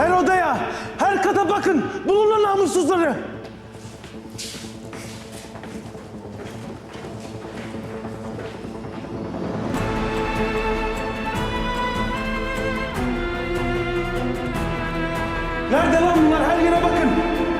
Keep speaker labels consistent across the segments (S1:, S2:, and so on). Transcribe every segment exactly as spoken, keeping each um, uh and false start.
S1: Her odaya, her kata bakın. Bulun lan namussuzları. Nerede lan bunlar? Her yere bakın.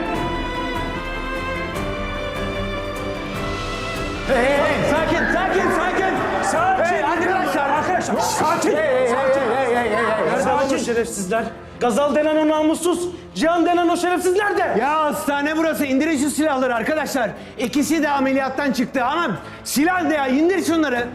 S2: Hey, hey, hey, sakin, sakin, sakin.
S1: Sakin.
S2: Hey, arkadaşlar, arkadaşlar.
S1: Sakin.
S2: Hey, hey, hey, hey, hey, hey, hey.
S1: Nerede lan o şerefsizler? Gazal denen o namussuz, Cihan denen o şerefsiz nerede?
S2: Ya hastane burası. İndirin şu silahları arkadaşlar. İkisi de ameliyattan çıktı. Anam silah ne ya? İndir şunları.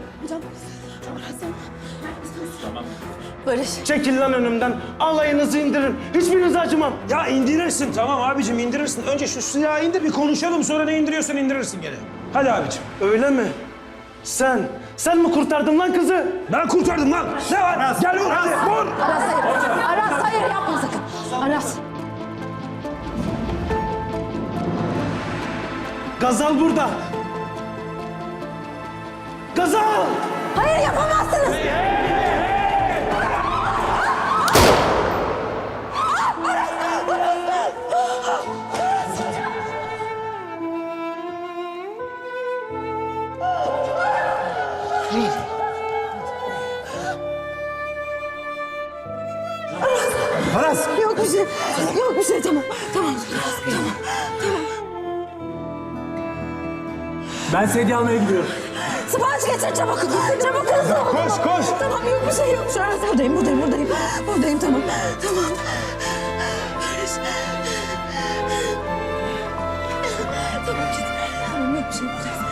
S3: Barış.
S1: Çekil lan önümden. Alayınızı indirin. Hiçbirinize acımam.
S4: Ya indirirsin tamam abicim indirirsin. Önce şu silahı indir bir konuşalım sonra ne indiriyorsan indirirsin gene. Hadi abicim.
S1: Öyle mi? Sen, sen mi kurtardın lan kızı?
S4: Ben kurtardım lan. Ne var? Gel vur hadi vur.
S3: Aras hayır. Aras hayır yapma sakın. Aras.
S1: Gazal burada. Gazal!
S3: Hayır yapamazsınız.
S4: Aras.
S3: Yok bir şey. Yok bir şey tamam. Tamam. Tamam.
S1: Ben sedye almaya gidiyorum.
S3: Sipariş getir çabuk. Çabuk hızlı ol.
S4: Koş, koş.
S3: Tamam yok bir şey yok. Şu an buradayım buradayım buradayım. Buradayım tamam. Tamam. Barış. Tamam git. Tamam yok bir şey.